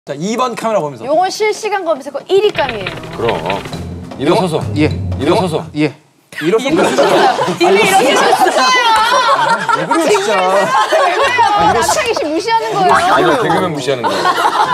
자, 2번 카메라 보면서. 요건 실시간 검색어 1위감이에요. 그럼. 일어서서. 예. 일어서서. 예. 일어서서. 이미 이렇게 하셨어요. 왜 그래요, 진짜. 왜요? 남창희 씨 무시하는 거예요. 이거 개그맨 무시하는 거예요.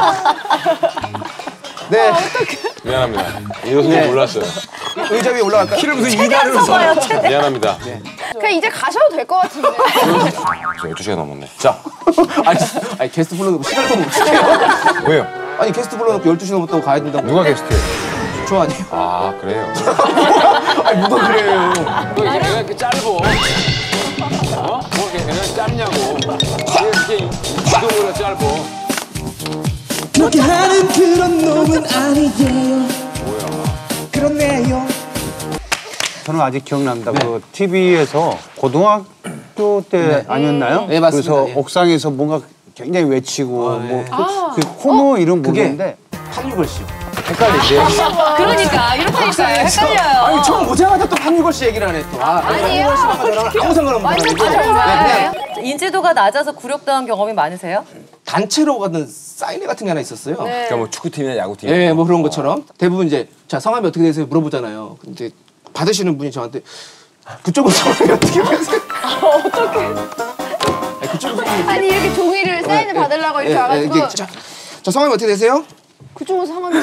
네. 미안합니다. 일어서서 몰랐어요. 의자 위에 올라갈까요? 키를 무슨 2단으로 써. 미안합니다. 그냥 이제 가셔도 될 것 같은데. 저 12시가 넘었네. 자, 아니 게스트 불러놓고 시간을 못 지켜요. 왜요? 아니 게스트 불러놓고 12시 넘었다고 가야 된다고. 누가 게스트예요? 저 아니에요. 아, 그래요. 아니 누가 그래요. 너 이제 내가 이렇게 짧어. 뭐 이렇게 내가 짧냐고. 이게 이동으로 짧어. 그렇게 하는 그런 놈은 아니에요. 그렇네요. 저는 아직 기억납니다. 그 TV에서 고등학교 때 아니었나요? 네, 맞습니다. 그래서 예. 옥상에서 뭔가 굉장히 외치고 그 코너 이름 모르는데 박유걸 씨요. 헷갈리지. 그러니까 이렇게 있어요. 헷갈려요. 아니 처음 오자마자 또 박유걸 씨 얘기를 하네 또. 아니에요. 아무 상관없는 완전 거예요. 정말. 인지도가 낮아서 굴욕당한 경험이 많으세요? 단체로 가는 사인회 같은 게 하나 있었어요. 네. 그러니까 뭐 축구팀이나 야구팀. 예, 뭐 그런 것처럼 대부분 이제 자 성함이 어떻게 되세요 물어보잖아요. 근데 받으시는 분이 저한테 그쪽은 성함이 어떻게 되세요? 어떡해. 아니, 그쪽은 성함이 아니 이렇게 종이를 사인을 받으려고 이렇게 와가지고 저 성함이 어떻게 되세요? 그쪽은 상관이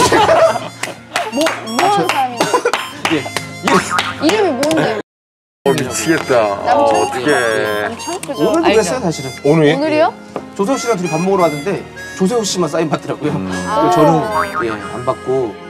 뭐 하는 사람인데? 예. 이름이 뭔데? 미치겠다. 남창희? 그죠? 오늘도 그랬어요 사실은. 오늘이? 오늘이요? 조세호 씨랑 둘이 밥 먹으러 왔는데 조세호 씨만 사인 받더라고요. 그래서 저는 안 받고